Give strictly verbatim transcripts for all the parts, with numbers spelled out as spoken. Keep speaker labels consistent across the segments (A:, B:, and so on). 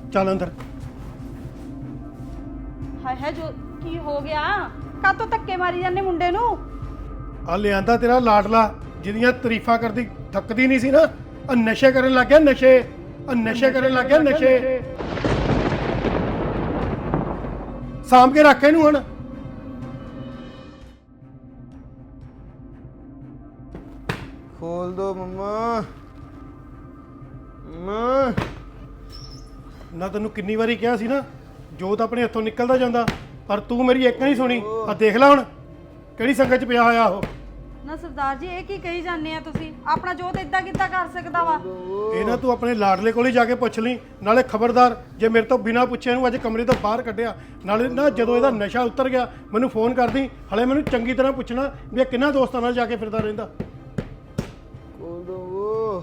A: ਚੱਲ ਅੰਦਰ।
B: ਹਾਏ ਹਾਏ ਜੋ ਕੀ ਹੋ ਗਿਆ? ਕਾਤੋਂ ਧੱਕੇ ਮਾਰੀ ਜਾਂਦੇ ਮੁੰਡੇ ਨੂੰ?
A: ਆ ਲਿਆਂਦਾ ਤੇਰਾ ਲਾਡਲਾ ਜਿਹਦੀਆਂ ਤਾਰੀਫਾਂ ਕਰਦੀ ਥੱਕਦੀ ਨਹੀਂ ਸੀ ਨਾ, ਆ ਨਸ਼ੇ ਕਰਨ ਲੱਗ ਗਿਆ। ਨਸ਼ੇ ਆ ਨਸ਼ੇ ਕਰਨ ਲੱਗ ਗਿਆ। ਨਸ਼ੇ ਸਾਂਭ ਕੇ ਰੱਖ ਇਹਨੂੰ ਹੁਣ।
C: ਖੋਲ ਦੋ ਮੰਮਾ। ਮਾਂ
A: ਨਾ ਤੈਨੂੰ ਕਿੰਨੀ ਵਾਰੀ ਕਿਹਾ ਸੀ ਨਾ, ਜੋਤ ਆਪਣੇ ਹੱਥੋਂ ਨਿਕਲਦਾ ਜਾਂਦਾ, ਪਰ ਤੂੰ ਮੇਰੀ ਇੱਕ ਨਹੀਂ ਸੁਣੀ। ਆ ਦੇਖ ਲੈ ਹੁਣ ਕਿਹੜੀ ਸੰਗਤ ਚ ਪਿਆ ਹੋਇਆ ਉਹ।
B: ਨਾ ਸਰਦਾਰ ਜੀ ਇਹ ਕੀ ਕਹੀ ਜਾਂਦੇ ਆ ਤੁਸੀਂ? ਆਪਣਾ ਜੋਤ ਇਦਾਂ ਕਿੱਦਾਂ ਕਰ ਸਕਦਾ ਵਾ?
A: ਇਹ ਨਾ ਤੂੰ ਆਪਣੇ ਲਾਡਲੇ ਕੋਲ ਹੀ ਜਾ ਕੇ ਪੁੱਛ ਲਈ। ਨਾਲੇ ਖਬਰਦਾਰ ਜੇ ਮੇਰੇ ਤੋਂ ਬਿਨਾਂ ਪੁੱਛੇ ਇਹਨੂੰ ਅੱਜ ਕਮਰੇ ਤੋਂ ਬਾਹਰ ਕੱਢਿਆ, ਨਾਲੇ ਨਾ ਜਦੋਂ ਇਹਦਾ ਨਸ਼ਾ ਉਤਰ ਗਿਆ ਮੈਨੂੰ ਫੋਨ ਕਰਦੀ। ਹਲੇ ਮੈਨੂੰ ਚੰਗੀ ਤਰ੍ਹਾਂ ਪੁੱਛਣਾ ਵੀ ਇਹ ਕਿੰਨਾ ਦੋਸਤਾਂ ਨਾਲ ਜਾ ਕੇ ਫਿਰਦਾ ਰਹਿੰਦਾ।
C: ਖੋਲ ਦੋ।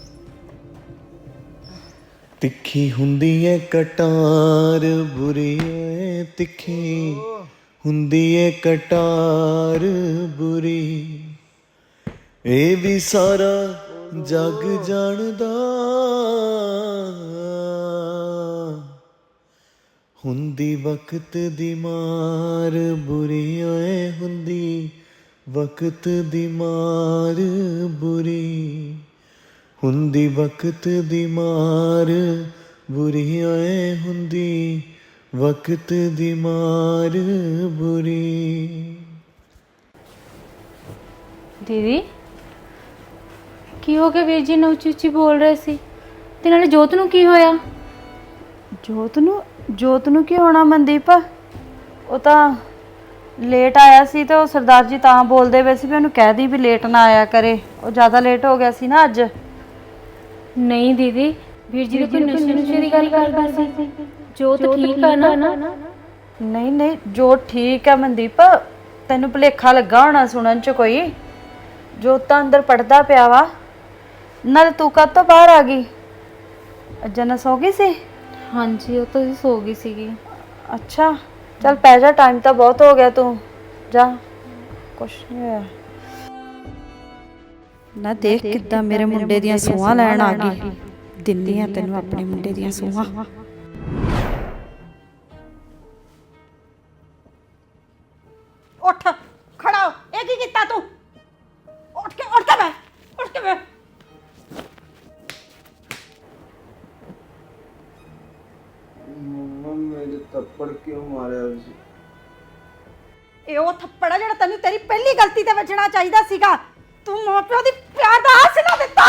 D: ਤਿੱਖੀ ਹੁੰਦੀ ਏ ਕਟਾਰ ਬੁਰੀ ਏ, ਤਿੱਖੀ ਹੁੰਦੀ ਏ ਕਟਾਰ ਬੁਰੀ, ਇਹ ਵੀ ਸਾਰਾ ਜੱਗ ਜਾਣਦਾ। ਹੁੰਦੀ ਵਕਤ ਦੀ ਮਾਰ ਬੁਰੀ ਓਏ, ਹੁੰਦੀ ਵਕਤ ਦੀ ਮਾਰ ਬੁਰੀ, ਹੁੰਦੀ ਵਕਤ ਦੀ ਮਾਰ ਬੁਰੀ ਓਏ, ਹੁੰਦੀ ਵਕਤ ਦੀ ਮਾਰ ਬੁਰੀ।
E: ਦੀਦੀ ਕੀ ਹੋ ਗਿਆ? ਵੀਰ ਜੀ ਨੂੰ ਉੱਚੀ ਉੱਚੀ ਬੋਲ ਰਹੇ ਸੀ, ਤੇ ਨਾਲੇ ਜੋਤ ਨੂੰ ਕੀ ਹੋਇਆ?
B: ਜੋਤ ਨੂੰ ਜੋਤ ਨੂੰ ਕੀ ਹੋਣਾ ਮਨਦੀਪ? ਉਹ ਤਾਂ ਲੇਟ ਆਇਆ ਸੀ ਤੇ ਉਹ ਸਰਦਾਰ ਜੀ ਤਾਂ ਬੋਲਦੇ ਪਏ ਸੀ ਵੀ ਉਹਨੂੰ ਕਹਿ ਦੀ ਵੀ ਲੇਟ ਨਾ ਆਇਆ ਕਰੇ, ਉਹ ਜ਼ਿਆਦਾ ਲੇਟ ਹੋ ਗਿਆ ਸੀ ਨਾ ਅੱਜ।
E: ਨਹੀਂ ਦੀਦੀ, ਵੀਰ ਜੀ ਕੋਈ ਨਸ਼ੇ ਨੁਸ਼ੇ ਦੀ ਗੱਲ ਕਰਦਾ ਸੀ। ਜੋਤ ਠੀਕ ਆ ਨਾ?
B: ਨਹੀਂ ਨਹੀਂ ਜੋਤ ਠੀਕ ਹੈ ਮਨਦੀਪ, ਤੈਨੂੰ ਭੁਲੇਖਾ ਲੱਗਾ ਹੋਣਾ ਸੁਣਨ ਚ ਕੋਈ। ਜੋਤ ਤਾਂ ਅੰਦਰ ਪੜਦਾ ਪਿਆ ਵਾ। ਨਾਲ ਤੂੰ ਕਦ ਤੋਂ ਬਾਹਰ ਆ ਗਈ? ਜਨਾ ਸੋ ਗਈ ਸੀ?
E: ਹਾਂਜੀ ਉਹ ਤਾਂ ਸੋ ਗਈ ਸੀਗੀ।
B: ਅੱਛਾ ਚੱਲ ਪੈ ਜਾ, ਟਾਈਮ ਤਾਂ ਬਹੁਤ ਹੋ ਗਿਆ, ਤੂੰ ਜਾ, ਕੁਛ ਨਹੀਂ ਹੋਇਆ। ਨਾ ਦੇਖ ਕਿੱਦਾਂ ਮੇਰੇ ਮੁੰਡੇ ਦੀਆਂ ਸੂਹਾਂ ਲੈਣ ਆ ਗਈ। ਦਿੰਦੀ ਆ ਤੈਨੂੰ ਆਪਣੇ ਮੁੰਡੇ ਦੀਆਂ ਸੂਹਾਂ। ਉੱਠ ਖੜਾ ਹੋ। ਇਹ ਕੀ ਕੀਤਾ ਤੂੰ? ਉੱਠ ਕੇ ਉੱਠ ਕੇ ਬੈ ਉੱਠ ਕੇ ਬੈ।
C: ਮੰਮਾ ਮੇਰੇ ਥੱਪੜ ਕਿਉਂ ਮਾਰਿਆ ਸੀ?
B: ਇਹ ਉਹ ਥੱਪੜ ਆ ਜਿਹੜਾ ਤੈਨੂੰ ਤੇਰੀ ਪਹਿਲੀ ਗਲਤੀ ਤੇ ਵੱਜਣਾ ਚਾਹੀਦਾ ਸੀਗਾ। ਤੂੰ ਮਾਂ ਪਿਓ ਦੀ ਪਿਆਰ ਦਾ ਆਸ ਨਾ ਦਿੱਤਾ।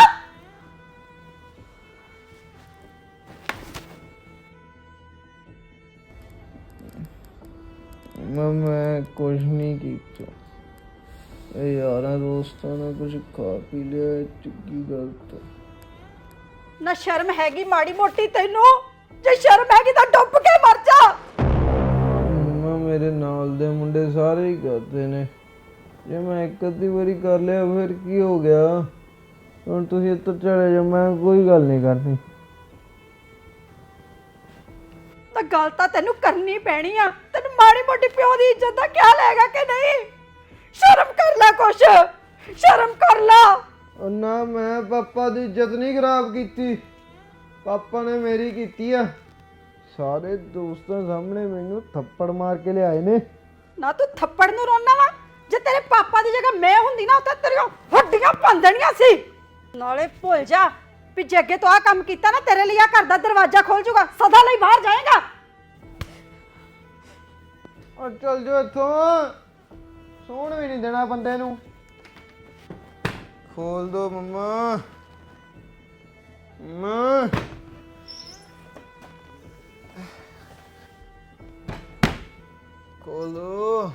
C: ਮੈਂ ਕੁਝ ਨਹੀਂ ਕੀਤਾ। ਇਹ ਯਾਰਾਂ ਦੋਸਤਾਂ ਨੇ ਕੁਝ ਖਾ ਪੀ ਲਿਆ, ਚੰਗੀ ਗਲਤ।
B: ਨਾ ਸ਼ਰਮ ਹੈਗੀ ਮਾੜੀ ਮੋਟੀ ਤੈਨੂੰ? ਜੇ ਸ਼ਰਮ ਹੈਗੀ ਤਾਂ ਡੁੱਬ ਕੇ ਮਰ ਜਾ।
C: ਮੰਮਾ ਮੇਰੇ ਨਾਲ ਦੇ ਮੁੰਡੇ ਸਾਰੇ ਹੀ ਕਰਦੇ ਨੇ, ਜੇ ਮੈਂ ਇੱਕ ਅੱਧੀ ਵਾਰੀ ਕਰ ਲਿਆ ਫਿਰ ਕੀ ਹੋ ਗਿਆ? ਹੁਣ ਤੁਸੀਂ ਇੱਥੋਂ ਚਲੇ ਜਾਓ, ਮੈਂ ਕੋਈ ਗੱਲ ਨਹੀਂ ਕਰਨੀ।
B: ਤਾਂ ਗੱਲ ਤਾਂ ਤੈਨੂੰ ਕਰਨੀ ਪੈਣੀ ਆ। ਤੈਨੂੰ ਮਾੜੀ ਮੋਟੀ ਪਿਓ ਦੀ ਇੱਜ਼ਤ ਦਾ ਖਿਆਲ ਹੈਗਾ ਕਿ ਨਹੀਂ? ਸ਼ਰਮ ਕਰ ਲੈ, ਕੁਛ ਸ਼ਰਮ ਕਰ ਲੈ।
C: ਉਹ ਨਾ, ਮੈਂ ਪਾਪਾ ਦੀ ਇੱਜ਼ਤ ਨਹੀਂ ਖਰਾਬ ਕੀਤੀ, ਪਾਪਾ ਨੇ ਮੇਰੀ ਕੀਤੀ ਆ। ਸਾਰੇ ਦੋਸਤਾਂ ਸਾਹਮਣੇ ਮੈਨੂੰ ਥੱਪੜ ਮਾਰ ਕੇ ਲਿਆਏ ਨੇ।
B: ਨਾ ਤੂੰ ਥੱਪੜ ਨੂੰ ਰੋਣਾ ਵਾ? ਜੇ ਤੇਰੇ ਪਾਪਾ ਦੀ ਜਗ੍ਹਾ ਮੈਂ ਹੁੰਦੀ ਨਾ ਤਾਂ ਤੇਰੀਆਂ ਹੱਡੀਆਂ ਭੰਨ ਦੇਣੀਆਂ ਸੀ। ਨਾਲੇ ਭੁੱਲ ਜਾ ਵੀ ਜੇ ਅੱਗੇ ਤੋਂ ਆ ਕੰਮ ਕੀਤਾ ਨਾ, ਤੇਰੇ ਲਈ ਆ ਘਰ ਦਾ ਦਰਵਾਜ਼ਾ ਖੋਲ ਜੂਗਾ, ਸਦਾ ਲਈ ਬਾਹਰ ਜਾਏਗਾ।
C: ਉਹ ਚੱਲ ਜਾ ਇੱਥੋਂ, ਸੌਣ ਵੀ ਨਹੀਂ ਦੇਣਾ ਬੰਦੇ ਨੂੰ। ਖੋਲ ਦੋ ਮੰਮਾ। ਮਾਂ ਖੋਲੋ।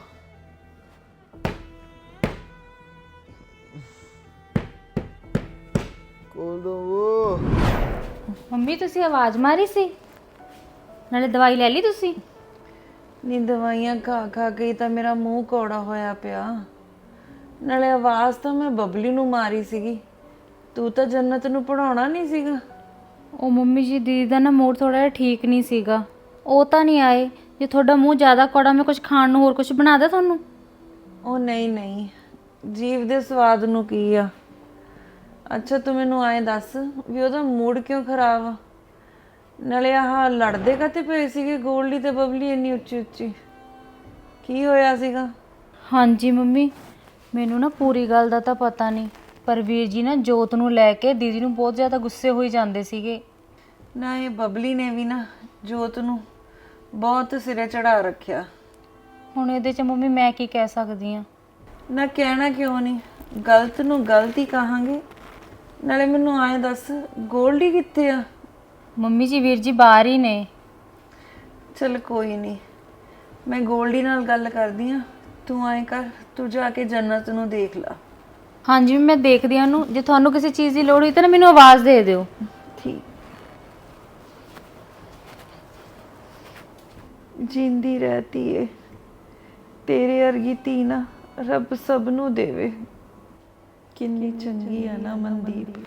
C: ਖੋਲੋ।
E: ਮੰਮੀ ਤੁਸੀਂ ਆਵਾਜ਼ ਮਾਰੀ ਸੀ, ਨਾਲੇ ਦਵਾਈ ਲੈ ਲਈ ਤੁਸੀਂ?
B: ਨੀ ਦਵਾਈਆਂ ਖਾ ਖਾ ਕੇ ਤਾਂ ਮੇਰਾ ਮੂੰਹ ਕੌੜਾ ਹੋਇਆ ਪਿਆ। ਨਾਲੇ ਆਵਾਜ਼ ਤਾਂ ਮੈਂ ਬਬਲੀ ਨੂੰ ਮਾਰੀ ਸੀਗੀ। ਤੂੰ ਤਾਂ ਜੰਨਤ ਨੂੰ ਪੜਾਉਣਾ ਨਹੀਂ ਸੀਗਾ।
E: ਉਹ ਮੰਮੀ ਜੀ ਦੀਦੀ ਦਾ ਨਾ ਮੂਡ ਥੋੜਾ ਜਿਹਾ ਠੀਕ ਨਹੀਂ ਸੀਗਾ, ਉਹ ਤਾਂ ਨਹੀਂ ਆਏ। ਜੇ ਤੁਹਾਡਾ ਮੂੰਹ ਜ਼ਿਆਦਾ ਕੌੜਾ, ਮੈਂ ਕੁਝ ਖਾਣ ਨੂੰ ਹੋਰ ਕੁਝ ਬਣਾ ਦਾਂ ਤੁਹਾਨੂੰ?
B: ਉਹ ਨਹੀਂ ਨਹੀਂ, ਜੀਵ ਦੇ ਸਵਾਦ ਨੂੰ ਕੀ ਆ। ਅੱਛਾ ਤੂੰ ਮੈਨੂੰ ਐਂ ਦੱਸ ਵੀ ਉਹਦਾ ਮੂਡ ਕਿਉਂ ਖਰਾਬ ਆ? ਨਾਲੇ ਆਹ ਲੜਦੇ ਕਾਤੇ ਪਏ ਸੀਗੇ ਗੋਲਡੀ ਤੇ ਬਬਲੀ ਇੰਨੀ ਉੱਚੀ ਉੱਚੀ? ਕੀ ਹੋਇਆ ਸੀਗਾ?
E: ਹਾਂਜੀ ਮੰਮੀ, ਮੈਨੂੰ ਨਾ ਪੂਰੀ ਗੱਲ ਦਾ ਤਾਂ ਪਤਾ ਨਹੀਂ, ਪਰ ਵੀਰ ਜੀ ਨਾ ਜੋਤ ਨੂੰ ਲੈ ਕੇ ਦੀਦੀ ਨੂੰ ਬਹੁਤ ਜ਼ਿਆਦਾ ਗੁੱਸੇ ਹੋਈ ਜਾਂਦੇ ਸੀਗੇ।
B: ਨਾ ਇਹ ਬਬਲੀ ਨੇ ਵੀ ਨਾ ਜੋਤ ਨੂੰ ਬਹੁਤ ਸਿਰੇ ਚੜਾ ਰੱਖਿਆ।
E: ਹੁਣ ਇਹਦੇ 'ਚ ਮੰਮੀ ਮੈਂ ਕੀ ਕਹਿ ਸਕਦੀ ਆ?
B: ਨਾ ਕਹਿਣਾ ਕਿਉਂ ਨਹੀਂ, ਗਲਤ ਨੂੰ ਗਲਤ ਹੀ ਕਹਾਂਗੇ। ਨਾਲੇ ਮੈਨੂੰ ਆਏ ਦੱਸ, ਗੋਲਡੀ ਕਿੱਥੇ ਆ?
E: ਮੰਮੀ ਜੀ ਵੀਰ ਜੀ ਬਾਹਰ ਹੀ ਨੇ।
B: ਚਲ ਕੋਈ ਨਹੀਂ, ਮੈਂ ਗੋਲਡੀ ਨਾਲ ਗੱਲ ਕਰਦੀ ਆ। ਤੂੰ ਆਏ ਕਰ, ਤੂੰ ਜਾ ਕੇ ਜੰਨਤ ਨੂੰ ਦੇਖ ਲਾ।
E: ਹਾਂਜੀ ਮੈਂ ਦੇਖਦੀ ਆ ਉਹਨੂੰ, ਜੇ ਤੁਹਾਨੂੰ ਕਿਸੇ ਚੀਜ਼ ਦੀ ਲੋੜ ਹੋਈ ਤਾਂ ਨਾ ਮੈਨੂੰ ਆਵਾਜ਼ ਦੇ ਦਿਓ।
B: ਠੀਕ। ਜਿੰਦੀ ਰਹਤੀ ਏ, ਤੇਰੇ ਵਰਗੀ ਧੀ ਨਾ ਰੱਬ ਸਭ ਨੂੰ ਦੇਵੇ। ਕਿੰਨੀ ਚੰਗੀ ਆ ਨਾ ਮਨਦੀਪ।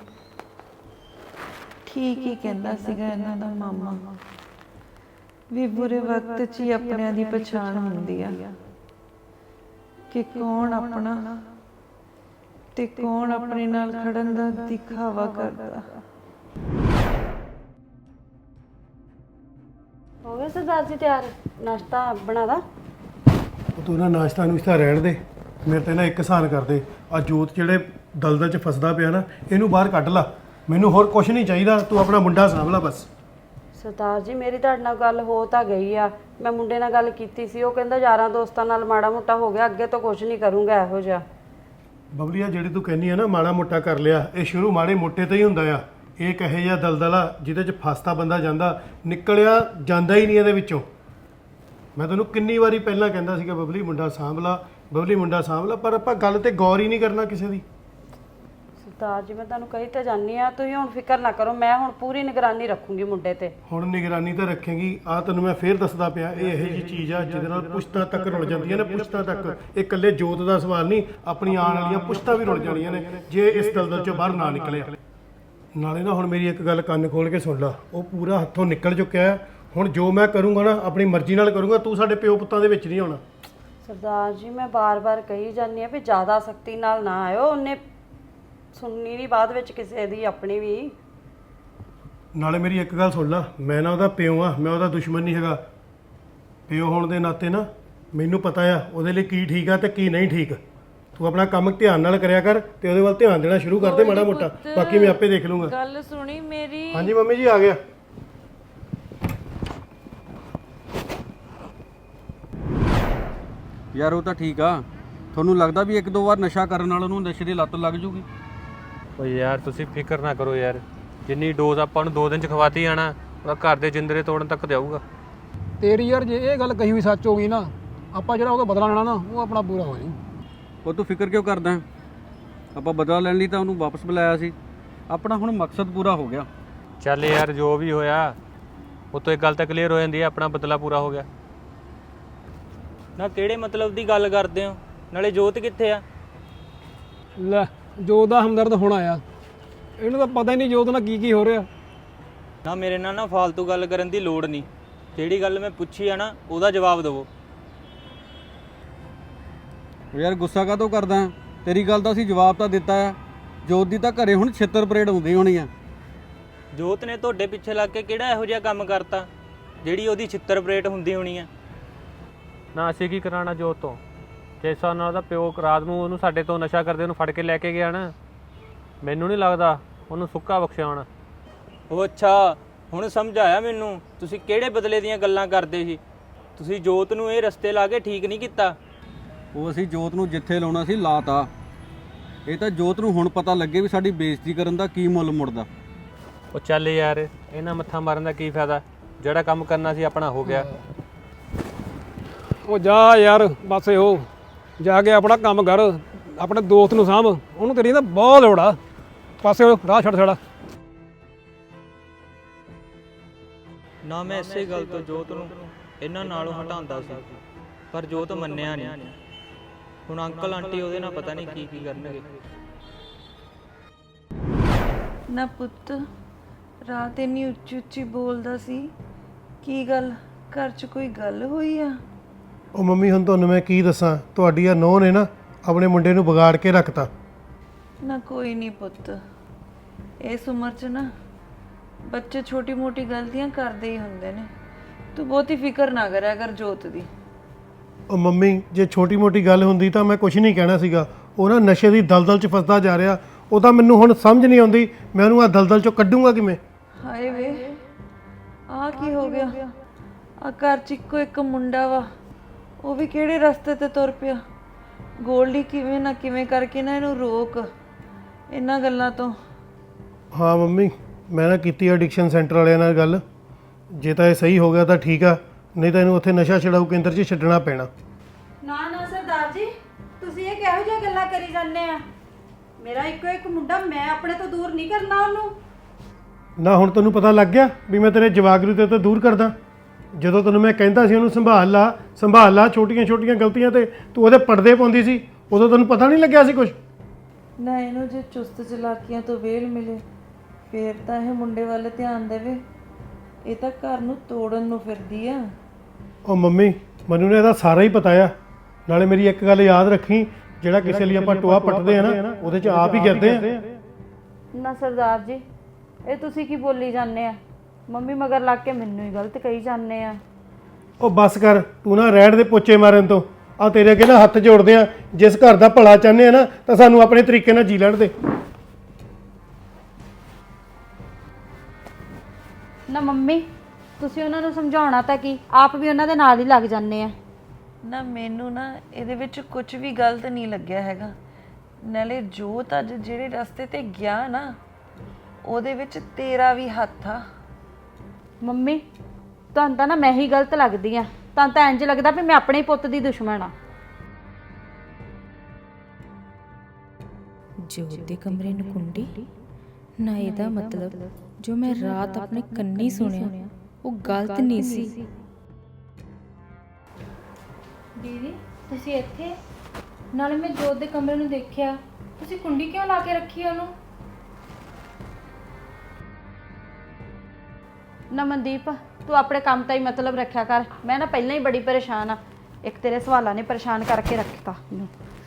B: ਠੀਕ ਹੀ ਕਹਿੰਦਾ ਸੀਗਾ ਇਹਨਾਂ ਦਾ ਮਾਮਾ ਵੀ ਬੁਰੇ ਵਕਤ 'ਚ ਹੀ ਆਪਣਿਆਂ ਦੀ ਪਛਾਣ ਹੁੰਦੀ ਆ ਕਿ ਕੌਣ ਆਪਣਾ ਤੇ ਕੌਣ ਆਪਣੇ ਨਾਲ ਖੜਨ ਦਾ ਦਿਖਾਵਾ ਕਰਦਾ।
F: ਹੋ ਗਿਆ ਸਰਦਾਰ ਜੀ ਤਿਆਰ? ਨਾਸ਼ਤਾ ਬਣਾਦਾ?
A: ਉਹ ਤੂੰ ਨਾ ਨਾਸ਼ਤਾ ਨੁਸ਼ਤਾ ਰਹਿਣ ਦੇ, ਮੇਰੇ ਤੇ ਨਾ ਇੱਕ ਹਸਾਨ ਕਰ ਦੇ। ਆ ਜੋਤ ਜਿਹੜੇ ਦਲਦਲ 'ਚ ਫਸਦਾ ਪਿਆ ਨਾ, ਇਹਨੂੰ ਬਾਹਰ ਕੱਢ ਲਾ। ਮੈਨੂੰ ਹੋਰ ਕੁਝ ਨਹੀਂ ਚਾਹੀਦਾ, ਤੂੰ ਆਪਣਾ ਮੁੰਡਾ ਸਾਂਭ ਲਾ ਬਸ।
F: ਸਰਦਾਰ ਜੀ ਮੇਰੀ ਤੁਹਾਡੇ ਨਾਲ ਗੱਲ ਹੋ ਤਾਂ ਗਈ ਆ, ਮੈਂ ਮੁੰਡੇ ਨਾਲ ਗੱਲ ਕੀਤੀ ਸੀ, ਉਹ ਕਹਿੰਦਾ ਯਾਰਾਂ ਦੋਸਤਾਂ ਨਾਲ ਮਾੜਾ ਮੋਟਾ ਹੋ ਗਿਆ, ਅੱਗੇ ਤੋਂ ਕੁਝ ਨਹੀਂ ਕਰੂੰਗਾ ਇਹੋ ਜਿਹਾ।
A: ਬਬਲੀਆ ਜਿਹੜੀ ਤੂੰ ਕਹਿੰਦੀ ਆ ਨਾ ਮਾੜਾ ਮੋਟਾ ਕਰ ਲਿਆ, ਇਹ ਸ਼ੁਰੂ ਮਾੜੇ ਮੋਟੇ ਤੋਂ ਹੀ ਹੁੰਦਾ ਆ। ਇਹ ਕਹੇ ਜਿਹਾ ਦਲਦਲ ਆ ਜਿਹਦੇ 'ਚ ਫਸਦਾ ਬੰਦਾ ਜਾਂਦਾ, ਨਿਕਲਿਆ ਜਾਂਦਾ ਹੀ ਨਹੀਂ ਇਹਦੇ ਵਿੱਚੋਂ। ਮੈਂ ਤੈਨੂੰ ਕਿੰਨੀ ਵਾਰੀ ਪਹਿਲਾਂ ਕਹਿੰਦਾ ਸੀਗਾ ਬਬਲੀ ਮੁੰਡਾ ਸਾਂਭ ਲਾ, ਬਬਲੀ ਮੁੰਡਾ ਸਾਂਭ ਲਾ, ਪਰ ਆਪਾਂ ਗੱਲ ਤੇ ਗੌਰ ਹੀ ਨਹੀਂ ਕਰਨਾ ਕਿਸੇ ਦੀ।
F: ਸਰਦਾਰ ਜੀ ਮੈਂ ਤੁਹਾਨੂੰ ਕਹੀ ਤਾਂ ਜਾਨੀ ਆ, ਤੁਸੀਂ ਹੁਣ ਫਿਕਰ ਨਾ ਕਰੋ, ਮੈਂ ਹੁਣ ਪੂਰੀ ਨਿਗਰਾਨੀ ਰੱਖੂੰਗੀ ਮੁੰਡੇ ਤੇ।
A: ਹੁਣ ਨਿਗਰਾਨੀ ਤਾਂ ਰੱਖੇਗੀ, ਆ ਤੈਨੂੰ ਮੈਂ ਫੇਰ ਦੱਸਦਾ ਪਿਆ, ਇਹ ਇਹੋ ਜਿਹੀ ਚੀਜ਼ ਆ ਜਿਹਦੇ ਨਾਲ ਪੁਸ਼ਤਾਂ ਤੱਕ ਰੁਲ ਜਾਂਦੀਆਂ ਨੇ। ਪੁਸ਼ਤਾਂ ਤੱਕ, ਇਹ ਇਕੱਲੇ ਜੋਤ ਦਾ ਸਵਾਲ ਨਹੀਂ, ਆਪਣੀ ਆਉਣ ਵਾਲੀਆਂ ਪੁਸ਼ਤਾਂ ਵੀ ਰੁਲ ਜਾਣੀਆਂ ਨੇ ਜੇ ਇਸ ਦਲਦਲ ਚੋਂ ਬਾਹਰ ਨਾ ਨਿਕਲਿਆ। ਨਾਲੇ ਨਾ ਹੁਣ ਮੇਰੀ ਇੱਕ ਗੱਲ ਕੰਨ ਖੋਲ ਕੇ ਸੁਣ ਲਾ, ਉਹ ਪੂਰਾ ਹੱਥੋਂ ਨਿਕਲ ਚੁੱਕਿਆ ਹੈ। ਹੁਣ ਜੋ ਮੈਂ ਕਰੂੰਗਾ ਨਾ ਆਪਣੀ ਮਰਜ਼ੀ ਨਾਲ ਕਰੂੰਗਾ, ਤੂੰ ਸਾਡੇ ਪਿਓ ਪੁੱਤਾਂ ਦੇ ਵਿੱਚ ਨਹੀਂ ਆਉਣਾ।
F: ਸਰਦਾਰ ਜੀ ਮੈਂ ਬਾਰ-ਬਾਰ ਕਹੀ ਜਾਂਦੀ ਆ ਵੀ ਜ਼ਿਆਦਾ ਸਖਤੀ ਨਾਲ ਨਾ ਆਇਓ, ਉਹਨੇ ਸੁਣਨੀ ਨਹੀਂ ਬਾਅਦ ਵਿੱਚ ਕਿਸੇ ਦੀ, ਆਪਣੀ ਵੀ।
A: ਨਾਲੇ ਮੇਰੀ ਇੱਕ ਗੱਲ ਸੁਣ ਲਾ, ਮੈਂ ਨਾ ਉਹਦਾ ਪਿਓ ਆ, ਮੈਂ ਉਹਦਾ ਦੁਸ਼ਮਣ ਨਹੀਂ ਹੈਗਾ। ਪਿਓ ਹੋਣ ਦੇ ਨਾਤੇ ਨਾ ਮੈਨੂੰ ਪਤਾ ਆ ਉਹਦੇ ਲਈ ਕੀ ਠੀਕ ਆ ਤੇ ਕੀ ਨਹੀਂ ਠੀਕ। ਤੂੰ ਆਪਣਾ ਕੰਮ ਧਿਆਨ ਨਾਲ ਕਰਿਆ ਕਰ ਤੇ ਉਹਦੇ ਵੱਲ ਧਿਆਨ ਦੇਣਾ ਸ਼ੁਰੂ ਕਰ ਦੇ ਮਾੜਾ ਮੋਟਾ, ਬਾਕੀ ਮੈਂ ਆਪੇ ਦੇਖ ਲੂੰਗਾ।
B: ਗੱਲ ਸੁਣੀ ਮੇਰੀ?
A: ਹਾਂਜੀ ਮੰਮੀ ਜੀ ਆ ਗਿਆ।
G: ਯਾਰ ਉਹ ਤਾਂ ਠੀਕ ਆ, ਤੁਹਾਨੂੰ ਲੱਗਦਾ ਵੀ ਇੱਕ ਦੋ ਵਾਰ ਨਸ਼ਾ ਕਰਨ ਨਾਲ ਉਹਨੂੰ ਨਸ਼ੇ ਦੀ ਲੱਤ ਲੱਗ ਜੂਗੀ?
H: ਓ ਯਾਰ ਤੁਸੀਂ ਫਿਕਰ ਨਾ ਕਰੋ ਯਾਰ, ਜਿੰਨੀ ਡੋਜ਼ ਆਪਾਂ ਨੂੰ ਦੋ ਦਿਨ ਚ ਖਵਾਤੀ ਆਣਾ, ਉਹਦਾ ਘਰ ਦੇ ਜਿੰਦਰੇ ਤੋੜਨ ਤੱਕ ਜਾਊਗਾ।
I: ਤੇਰੀ ਯਾਰ ਜੇ ਇਹ ਗੱਲ ਕਹੀ ਹੋਈ ਸੱਚ ਹੋ ਗਈ ਨਾ, ਆਪਾਂ ਜਿਹੜਾ ਉਹਦਾ ਬਦਲਾ ਲੈਣਾ ਨਾ ਉਹ ਆਪਣਾ ਪੂਰਾ ਹੋ ਜਾਊ।
G: ਉਹ ਤੂੰ ਫਿਕਰ ਕਿਉਂ ਕਰਦਾ? ਆਪਾਂ ਬਦਲਾ ਲੈਣ ਲਈ ਤਾਂ ਉਹਨੂੰ ਵਾਪਸ ਬੁਲਾਇਆ ਸੀ, ਆਪਣਾ ਹੁਣ ਮਕਸਦ ਪੂਰਾ ਹੋ ਗਿਆ।
H: ਚੱਲ ਯਾਰ ਜੋ ਵੀ ਹੋਇਆ ਉਹ ਤੋਂ ਇੱਕ ਗੱਲ ਤਾਂ ਕਲੀਅਰ ਹੋ ਜਾਂਦੀ ਹੈ, ਆਪਣਾ ਬਦਲਾ ਪੂਰਾ ਹੋ ਗਿਆ।
J: ਨਾ ਕਿਹੜੇ ਮਤਲਬ ਦੀ ਗੱਲ ਕਰਦੇ ਹੋ? ਨਾਲੇ ਜੋਤ ਕਿੱਥੇ ਆ?
I: ਲੈ ਜੋਤ ਦਾ ਹਮਦਰਦ ਹੋਣਾ ਆ, ਇਹਨੂੰ ਤਾਂ ਪਤਾ ਹੀ ਨਹੀਂ ਜੋਤ ਨਾਲ ਕੀ ਕੀ ਹੋ ਰਿਹਾ।
J: ਨਾ ਮੇਰੇ ਨਾਲ ਨਾ ਫालतू ਗੱਲ ਕਰਨ ਦੀ ਲੋੜ ਨਹੀਂ, ਜਿਹੜੀ ਗੱਲ ਮੈਂ ਪੁੱਛੀ ਆ ਨਾ ਉਹਦਾ ਜਵਾਬ ਦਿਵੋ।
G: ਯਾਰ ਗੁੱਸਾ ਕਾਹਤੋਂ ਕਰਦਾ? ਤੇਰੀ ਗੱਲ ਦਾ ਅਸੀਂ ਜਵਾਬ ਤਾਂ ਦਿੱਤਾ ਆ। ਜੋਤ ਦੀ ਤਾਂ ਘਰੇ ਹੁਣ ਛਿੱਤਰ ਪਰੇਡ ਹੁੰਦੀ ਹੋਣੀ ਆ।
J: ਜੋਤ ਨੇ ਤੁਹਾਡੇ ਪਿੱਛੇ ਲੱਗ ਕੇ ਕਿਹੜਾ ਇਹੋ ਜਿਹਾ ਕੰਮ ਕਰਤਾ ਜਿਹੜੀ ਉਹਦੀ ਛਿੱਤਰ ਪਰੇਡ ਹੁੰਦੀ ਹੋਣੀ ਆ?
H: ਨਾ ਅਸੀਂ ਕੀ ਕਰਾਣਾ ਜੋਤ ਤੋਂ? ਜਿਸ ਹਿਸਾਬ ਨਾਲ ਉਹਦਾ ਪਿਓ ਰਾਤ ਨੂੰ ਉਹਨੂੰ ਸਾਡੇ ਤੋਂ ਨਸ਼ਾ ਕਰਦੇ ਉਹਨੂੰ ਫੜ ਕੇ ਲੈ ਕੇ ਗਿਆ ਨਾ, ਮੈਨੂੰ ਨਹੀਂ ਲੱਗਦਾ ਉਹਨੂੰ ਸੁੱਕਾ ਬਖਸ਼ਿਆ ਹੋਣਾ।
J: ਉਹ ਅੱਛਾ, ਹੁਣ ਸਮਝ ਆਇਆ ਮੈਨੂੰ ਤੁਸੀਂ ਕਿਹੜੇ ਬਦਲੇ ਦੀਆਂ ਗੱਲਾਂ ਕਰਦੇ ਸੀ। ਤੁਸੀਂ ਜੋਤ ਨੂੰ ਇਹ ਰਸਤੇ ਲਾ ਕੇ ਠੀਕ ਨਹੀਂ ਕੀਤਾ।
G: ਉਹ ਅਸੀਂ ਜੋਤ ਨੂੰ ਜਿੱਥੇ ਲਾਉਣਾ ਸੀ ਲਾਤਾ। ਇਹ ਤਾਂ ਜੋਤ ਨੂੰ ਹੁਣ ਪਤਾ ਲੱਗੇ ਵੀ ਸਾਡੀ ਬੇਇੱਜ਼ਤੀ ਕਰਨ ਦਾ ਕੀ ਮੁੱਲ ਮੁੜਦਾ।
H: ਉਹ ਚੱਲ ਯਾਰ ਇਹਨਾਂ ਮੱਥਾ ਮਾਰਨ ਦਾ ਕੀ ਫਾਇਦਾ, ਜਿਹੜਾ ਕੰਮ ਕਰਨਾ ਸੀ ਆਪਣਾ ਹੋ ਗਿਆ।
I: ਉਹ ਜਾ ਯਾਰ ਬਸ ਇਹੋ ਜਾ ਕੇ ਆਪਣਾ ਕੰਮ ਕਰ, ਆਪਣੇ ਦੋਸਤ ਨੂੰ ਸਾਂਭ, ਉਹਨੂੰ ਤੇਰੀ ਤਾਂ ਬਹੁਤ ਲੋੜ ਆ। ਪਾਸੇ ਉਹ ਰਾਹ ਛੱਡ ਛੜਾ।
J: ਨਾ ਮੈਂ ਇਸੇ ਗੱਲ ਤੋਂ ਜੋਤ ਨੂੰ ਇਹਨਾਂ ਨਾਲੋਂ ਹਟਾਉਂਦਾ ਸੀ, ਪਰ ਜੋਤ ਮੰਨਿਆ ਨਹੀਂ। ਹੁਣ ਅੰਕਲ ਆਂਟੀ ਉਹਦੇ ਨਾਲ ਪਤਾ ਨਹੀਂ ਕੀ ਕੀ ਕਰਨਗੇ।
B: ਨਾ ਪੁੱਤ, ਰਾਤ ਇੰਨੀ ਉੱਚੀ ਉੱਚੀ ਬੋਲਦਾ ਸੀ, ਕੀ ਗੱਲ ਘਰ 'ਚ ਕੋਈ ਗੱਲ ਹੋਈ ਆ?
A: ਉਹ ਮੰਮੀ ਹੁਣ ਤੁਹਾਨੂੰ ਮੈਂ ਕੀ ਦੱਸਾਂ, ਤੁਹਾਡੀ ਆ ਨੋਹ ਨੇ ਨਾ ਆਪਣੇ ਮੁੰਡੇ ਨੂੰ ਵਿਗਾੜ ਕੇ ਰੱਖਤਾ।
B: ਨਾ ਕੋਈ ਨਹੀਂ ਪੁੱਤ, ਇਸ ਉਮਰ 'ਚ ਨਾ ਬੱਚੇ ਛੋਟੀ ਮੋਟੀ ਗਲਤੀਆਂ ਕਰਦੇ ਹੀ ਹੁੰਦੇ ਨੇ। ਤੂੰ ਬਹੁਤੀ ਫਿਕਰ ਨਾ ਕਰਿਆ ਕਰ ਜੋਤ ਦੀ।
A: ਉਹ ਮੰਮੀ ਜੇ ਛੋਟੀ ਮੋਟੀ ਗੱਲ ਹੁੰਦੀ ਤਾਂ ਮੈਂ ਕੁਝ ਨਹੀਂ ਕਹਿਣਾ ਸੀਗਾ। ਉਹ ਨਾ ਨਸ਼ੇ ਦੀ ਦਲਦਲ 'ਚ ਫਸਦਾ ਜਾ ਰਿਹਾ। ਉਹ ਤਾਂ ਮੈਨੂੰ ਹੁਣ ਸਮਝ ਨਹੀਂ ਆਉਂਦੀ ਮੈਂ ਉਹਨੂੰ ਆ ਦਲਦਲ 'ਚੋਂ ਕੱਢੂੰਗਾ ਕਿਵੇਂ।
B: ਹਾਏ ਵੇ ਆ ਕੀ ਹੋ ਗਿਆ? ਆ ਘਰ 'ਚ ਇੱਕੋ ਇੱਕ ਮੁੰਡਾ ਵਾ, ਉਹ ਵੀ ਕਿਹੜੇ ਰਸਤੇ ਤੇ ਤੁਰ ਪਿਆ। ਗੋਲਡੀ ਕਿਵੇਂ ਨਾ ਕਿਵੇਂ ਕਰਕੇ ਨਾ ਇਹਨੂੰ ਰੋਕ ਇਹਨਾਂ ਗੱਲਾਂ ਤੋਂ।
A: ਹਾਂ ਮੰਮੀ ਮੈਂ ਨਾ ਕੀਤੀ ਐਡਿਕਸ਼ਨ ਸੈਂਟਰ ਵਾਲਿਆਂ ਨਾਲ ਗੱਲ। ਜੇ ਤਾਂ ਇਹ ਸਹੀ ਹੋ ਗਿਆ ਤਾਂ ਠੀਕ ਆ, ਨਹੀਂ ਤਾਂ ਇਹਨੂੰ ਉੱਥੇ ਨਸ਼ਾ ਛਡਾਊ ਕੇਂਦਰ 'ਚ ਛੱਡਣਾ ਪੈਣਾ।
F: ਨਾ ਨਾ ਸਰਦਾਰ ਜੀ, ਤੁਸੀਂ ਇਹ ਕਿਹੋ ਜਿਹੀਆਂ ਗੱਲਾਂ ਕਰੀ ਜਾਂਦੇ ਆ? ਮੇਰਾ ਇੱਕੋ ਇੱਕ ਮੁੰਡਾ, ਮੈਂ ਆਪਣੇ ਤੋਂ ਦੂਰ ਨਹੀਂ ਕਰਨਾ ਉਹਨੂੰ।
A: ਨਾ ਹੁਣ ਤੈਨੂੰ ਪਤਾ ਲੱਗ ਗਿਆ ਵੀ ਮੈਂ ਤੇਰੇ ਜਵਾਗਰੂ ਤੇ ਤੋਂ ਦੂਰ ਕਰਦਾ। ਜਦੋਂ ਤੈਨੂੰ ਮੈਂ ਕਹਿੰਦਾ ਸੀ ਉਹਨੂੰ ਸੰਭਾਲ ਲਾ ਸੰਭਾਲ ਲਾ, ਛੋਟੀਆਂ ਛੋਟੀਆਂ ਗਲਤੀਆਂ ਤੇ ਤੂੰ ਉਹਦੇ ਪਰਦੇ ਪਾਉਂਦੀ ਸੀ, ਉਦੋਂ ਤੈਨੂੰ ਪਤਾ ਨਹੀਂ ਲੱਗਿਆ ਸੀ ਕੁਝ।
B: ਨਾ ਇਹਨੂੰ ਜੇ ਚੁਸਤ ਚਲਾਕੀਆਂ ਤੋਂ ਵੇਲ ਮਿਲੇ ਫੇਰ ਤਾਂ ਇਹ ਮੁੰਡੇ ਵੱਲ ਧਿਆਨ ਦੇਵੇ। ਇਹ ਤਾਂ ਘਰ ਨੂੰ ਤੋੜਨ ਨੂੰ ਫਿਰਦੀ ਆ।
A: ਉਹ ਮੰਮੀ ਮੈਨੂੰ ਨੇ ਇਹਦਾ ਸਾਰਾ ਹੀ ਪਤਾ ਆ। ਨਾਲੇ ਮੇਰੀ ਇੱਕ ਗੱਲ ਯਾਦ ਰੱਖੀ, ਜਿਹੜਾ ਕਿਸੇ ਲਈ ਆਪਾਂ ਟੋਆ ਪੱਟਦੇ ਆ ਨਾ ਉਹਦੇ 'ਚ ਆਪ ਹੀ ਗਿਰਦੇ ਆ।
F: ਨਾ ਸਰਦਾਰ ਜੀ, ਇਹ ਤੁਸੀਂ ਕੀ ਬੋਲੀ ਜਾਂਦੇ ਆ? ਮੰਮੀ ਮਗਰ ਲੱਗ ਕੇ ਮੈਨੂੰ ਹੀ ਗਲਤ ਕਹੀ ਜਾਂਦੇ ਆ।
A: ਉਹ ਬਸ ਕਰ ਤੂੰ ਨਾ ਰਹਿਣ ਦੇ ਪੋਚੇ ਮਾਰਨ ਤੋਂ। ਆ ਤੇਰੇ ਅੱਗੇ ਨਾ ਹੱਥ ਜੋੜਦੇ ਆ, ਜਿਸ ਘਰ ਦਾ ਭਲਾ ਚਾਹੁੰਦੇ ਆ ਨਾ ਤਾਂ ਸਾਨੂੰ ਆਪਣੇ ਤਰੀਕੇ ਨਾਲ ਜੀ ਲੈਣ ਦੇ।
F: ਨਾ ਮੰਮੀ ਤੁਸੀਂ ਉਹਨਾਂ ਨੂੰ ਸਮਝਾਉਣਾ ਤਾਂ ਕੀ, ਆਪ ਵੀ ਉਹਨਾਂ ਦੇ ਨਾਲ ਹੀ ਲੱਗ ਜਾਂਦੇ ਆ।
B: ਨਾ ਮੈਨੂੰ ਨਾ ਇਹਦੇ ਵਿੱਚ ਕੁਝ ਵੀ ਗਲਤ ਨਹੀਂ ਲੱਗਿਆ ਹੈਗਾ। ਨਾਲੇ ਜੋਤ ਅੱਜ ਜਿਹੜੇ ਰਸਤੇ ਤੇ ਗਿਆ ਨਾ ਉਹਦੇ ਵਿੱਚ ਤੇਰਾ ਵੀ ਹੱਥ ਆ।
F: ਮੰਮੀ ਤੁਹਾਨੂੰ ਤਾਂ ਨਾ ਮੈਂ ਹੀ ਗਲਤ ਲੱਗਦੀ ਆ। ਤੁਹਾਨੂੰ ਤਾਂ ਇੰਜ ਲੱਗਦਾ ਵੀ ਮੈਂ ਆਪਣੇ ਹੀ ਪੁੱਤ ਦੀ ਦੁਸ਼ਮਣ ਆ।
E: ਜੋਤ ਦੇ ਕਮਰੇ ਨੂੰ ਕੁੰਡੀ ਨਾ, ਇਹਦਾ ਮਤਲਬ ਜੋ ਮੈਂ ਰਾਤ ਆਪਣੇ ਕੰਨੀ ਸੁਣਿਆ ਉਹ ਗਲਤ ਨਹੀਂ ਸੀ। ਦੀਦੀ ਤੁਸੀਂ ਇੱਥੇ? ਨਾਲੇ ਮੈਂ ਜੋਤ ਦੇ ਕਮਰੇ ਨੂੰ ਦੇਖਿਆ, ਤੁਸੀਂ ਕੁੰਡੀ ਕਿਉਂ ਲਾ ਕੇ ਰੱਖੀ ਉਹਨੂੰ?
F: ਨਾ ਮਨਦੀਪ ਤੂੰ ਆਪਣੇ ਕੰਮ ਤਾਂ ਹੀ ਮਤਲਬ ਰੱਖਿਆ ਕਰ। ਮੈਂ ਨਾ ਪਹਿਲਾਂ ਹੀ ਬੜੀ ਪਰੇਸ਼ਾਨ ਆ। ਇੱਕ ਤੇਰੇ ਸਵਾਲਾਂ ਨੇ ਪਰੇਸ਼ਾਨ ਕਰਕੇ ਰੱਖਤਾ ਮੈਨੂੰ।